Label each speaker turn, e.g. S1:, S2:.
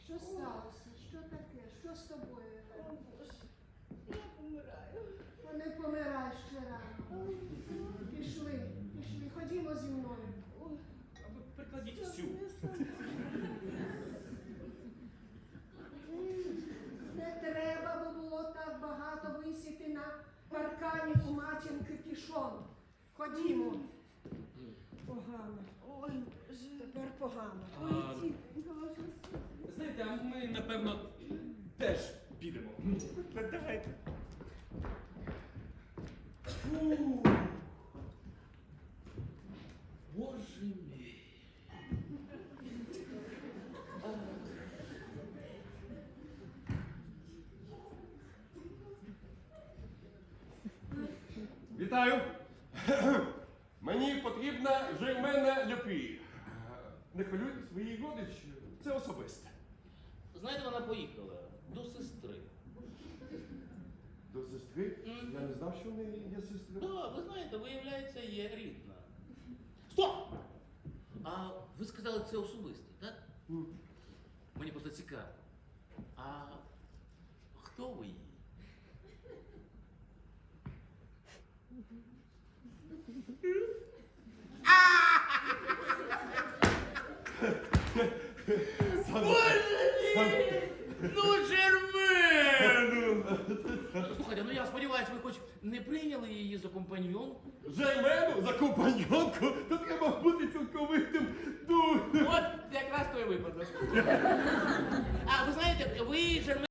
S1: Що сталося? Що таке? Що з тобою?
S2: О, Боже, я помираю.
S1: Та не помирай ще рано. Пішли, ходімо зі мною.
S2: Ой,
S3: А ви прикладіть всю.
S1: Не треба би було так багато висіти на паркані у матінки пішон. Ходімо. Погано.
S2: ой, Боже.
S1: Тепер погано.
S2: Ой, тітонько, ваша
S3: Знаєте, а ми, напевно, теж підемо. Давайте. Фу. Боже мій.
S4: Вітаю! Мені потрібна Жермена Люпі. Не хвилюйтесь, ви її родич, це особисте.
S5: Знаєте, вона поїхала до сестри.
S4: До сестри? Я не знав, що в неї є сестра.
S5: Так, ви знаєте, виявляється, є рідна. Стоп! А ви сказали, це особистий, так? Мені просто цікаво. А хто ви її? Ну, Жермену! Слухайте, ну я сподіваюся, ви хоч не прийняли її за компаньйонку?
S4: Жермену за компаньонку? То треба бути цілковитим дурнем.
S5: От якраз той випадок. А ви знаєте, ви Жермен